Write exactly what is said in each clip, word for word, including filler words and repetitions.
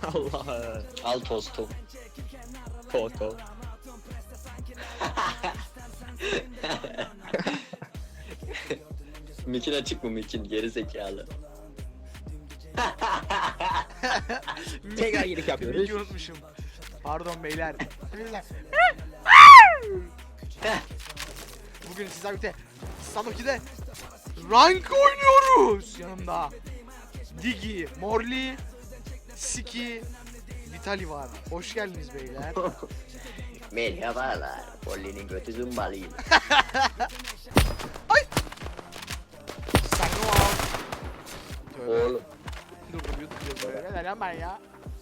Allah. Al tostu. Toto. Mikin açık mı Mikin? Geri zekalı. Tekrar iyilik yapıyoruz. Bilgi unutmuşum. Pardon beyler. Bugün sizlerle birlikte Sadoki'de rank oynuyoruz. Yanımda Digi, Morli, Siki, Vitali var. Hoş geldiniz beyler. Merhabalar. Polly'nin götü zımbalıyım. Ay! Sen o al. Tövbe. Oğlum. Dur dur yutmuyorum böyle. Ne lan ben ya?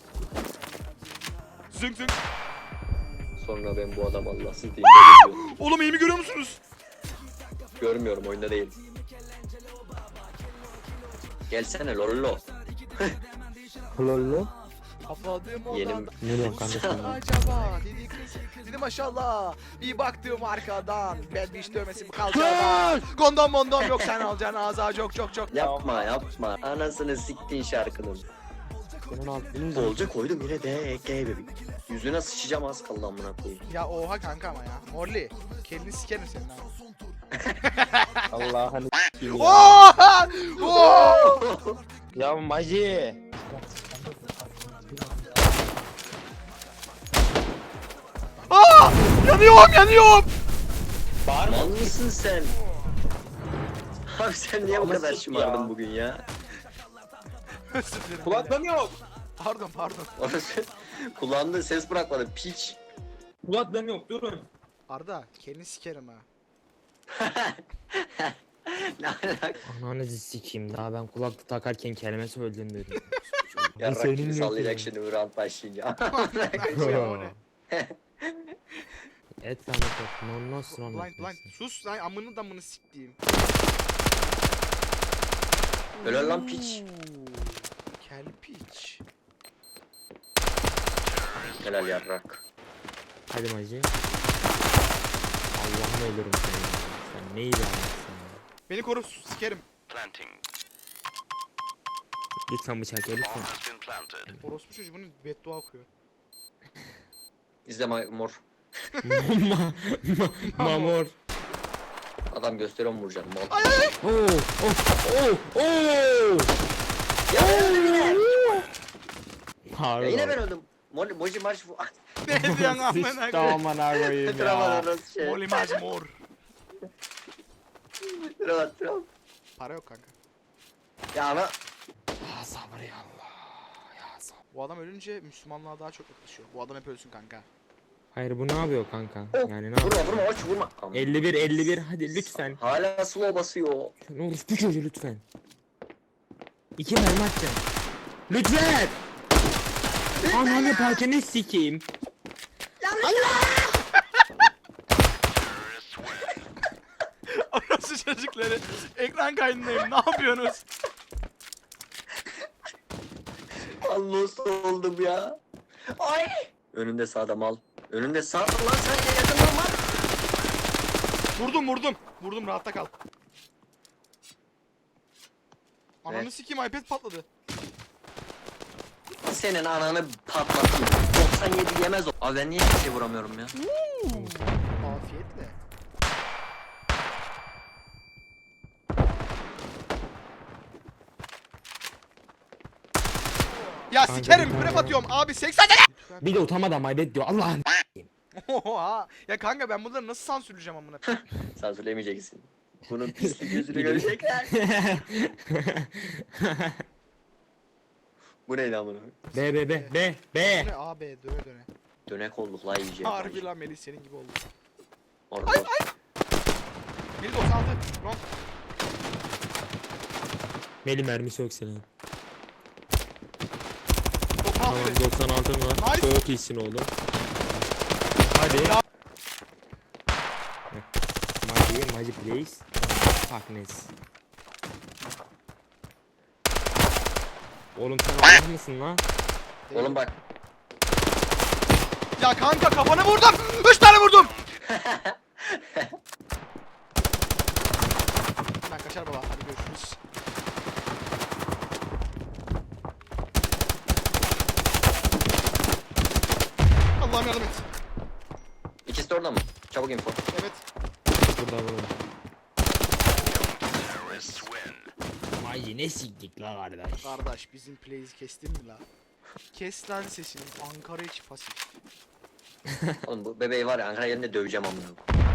Zünk zünk. Sonra ben bu adam Allahsız diye görüyorum. Oğlum iyi mi görüyor musunuz? Görmüyorum, oyunda değil. Gelsene lollo. Lollo. Kafadım Yeni ondan. Ne diyorsun kardeşim? Acaba dedi kız. Dedi maşallah. Bir baktım arkadan. Ben bir iş dövmesi mi kalacağım? Gondom mondom yok sen alacaksın ağza çok çok çok. Yapma yapma. Anasını siktin şarkının. Senin altını Bolca koydum yine de ekey bebek. Yüzüne sıçacağım az kaldı amına koyayım. Ya oha kanka ama ya. Morli. Kelini sikerim senin ha. Allah'ını s**eyim ya. Oha! Oha! Ya Maji. Aa! Yanıyorum yanıyorum. Bağırma. Mal mısın sen? Abi sen niye bu Ama kadar sus şımardın ya. bugün ya? Özür dilerim. Kulaklığım yok. Pardon pardon. Kulağında ses bırakmadı piç. Kulaklığım yok durun. Arda kelini sikerim ha. Ne alaka? Ananızı sikeyim daha ben kulaklık takarken kelime söyledim dedim. Yarrak senin gibi yok sallayacak ya. şimdi Murat başlayınca. Şey, o ne? Et lanet olsun ondan sonra Blind blind. anlatmışsın. Sus lan amını damını siktiğim. Öyle lan piç. Kel piç. Helal yarrak. Hadi Maji. Allah'ım ölürüm seni ya. Sen ne ilansın ya. Beni koru sikerim. Lütfen bıçak ye lütfen. Orospu çocuğu bunu beddua okuyor. İzle ma- mor. Ma- ma- Mamor. Adam gösteriyor mu vuracağım mal. Oo, oh, oh, oh. Ya ben öldüm yine. Ya Pardon. yine ben öldüm. Mol, moji marş bu. Ne diyorsun amına Sıçtı koyayım? amına koyayım Traman ya. arası şey. Molimaz mor. Traman traman. Para yok kanka. Ya ama. Ya sabır ya Allah. Ya sabır. Bu adam ölünce Müslümanlığa daha çok yaklaşıyor. Bu adam hep ölsün kanka. Hayır bu ne yapıyor kanka? Yani ne Vurma yapıyor? vurma aç vurma. Aman. elli bir elli bir hadi lütfen. Hala slow basıyor. Ne olur bu çocuğu lütfen. İki mermi atacağım. Lütfen. Ananı parçanı sikeyim. Orası çocukları. Ekran kaydındayım. Ne yapıyorsunuz? Anlos oldum ya. Ay. Önünde sağda mal. Önünde sağ lan sen de yakından mal. Vurdum vurdum. Vurdum rahatta kal. Ananı Evet. sikeyim iPad patladı. Senin ananı patlatayım. doksan yedi yemez o. Abi ben niye hiçbir şey vuramıyorum ya? Afiyetle. Ya sikerim prep atıyorum abi seksen Bir de utanmadan maybet diyor Allah'ın. Oha. Ya kanka ben bunları nasıl sansürleyeceğim amına? Sansürlemeyeceksin. Bunun pislik yüzünü görecekler. Bu neydi amına? B B B B Bu B. ne abi döne döne. Dönek olduk la iyice. Harbi lan Melih senin gibi oldu. Orada. Melih doksan altı. Long. Meli mermisi yok senin. doksan Tamam altı. doksan altın var. Nice. Çok iyisin oğlum. Hadi. Maji, Maji please. Fuck ness. Oğlum sen Allah mısın lan? Oğlum bak. Ya kanka kafana vurdum. Üç tane vurdum. Ben kaçar baba. Hadi görüşürüz. Allah'ım yardım et. İkisi de orada mı? Çabuk info. Evet. Burada burada. Maji ne siktik la kardeş. Kardeş bizim plays'i kestin mi la? Kes lan sesini. Ankara içi pasif. Oğlum bu bebeği var ya Ankara yerinde döveceğim amına.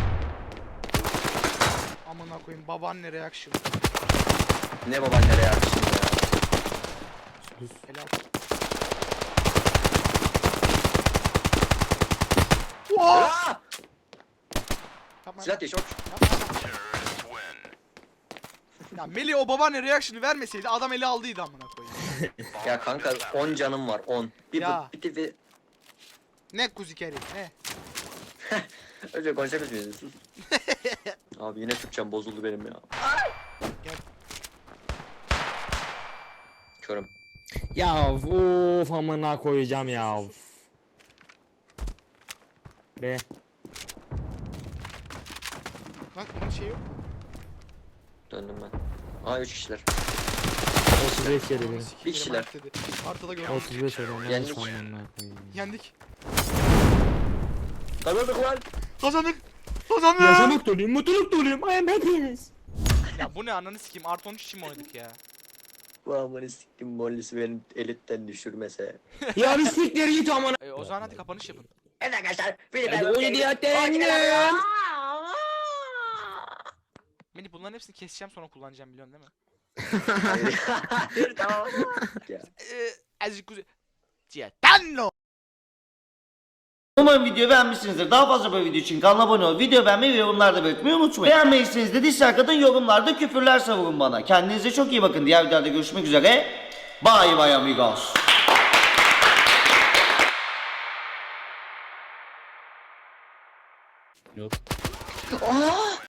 Amına koyayım babaanne reaction. Ne baban nereye yaptı şimdi ya? Sus. Helal. Wow! Aa! Yapma, Silah değil şok. yapma, yapma. Ya Melih o babaanne reaction'ı vermeseydi adam eli aldıydı amına koyayım. Ya kanka on canım var on. Bir Ya. bu bir bir. Ne kuzikeri ne? Önce konuşabilir miyiz? Sus. Abi yine Türkçem bozuldu benim ya. Gel. Körüm. Ya of amına koyacağım ya. Be. Bak bunun şeyi yok. Döndüm ben. Aa üç kişiler. otuz beş yedi benim. Bir kişiler. Dedi. Artıda gördüm. otuz beş yedi ondan Yendik. sonra amına koyayım. Yendik. Kazandık lan. Kazandık. Kazandık. Yaşamak doluyum, mutluluk doluyum. I am happiness. Ya bu ne ananı sikeyim. Artı on üç için mi oynadık ya? Bu amını siktim mollisi benim elitten düşürmese. Ya bir siktir git amına. E, o zaman hadi kapanış yapın. Evet arkadaşlar. Bir Hadi oyunu diye Melih bunların hepsini keseceğim sonra kullanacağım biliyorsun değil mi? Hayır tamam. Ya. Eee azıcık kuzi... Ciyetanno! Umarım videoyu beğenmişsinizdir. Daha fazla böyle video için kanala abone ol, video beğenmeyi ve yorumlarda belirtmeyi unutmayın. Beğenmeyi de dislike atın, yorumlarda küfürler savurun bana. Kendinize çok iyi bakın. Diğer videoda görüşmek üzere. Bye bye amigos. Yok. Aa!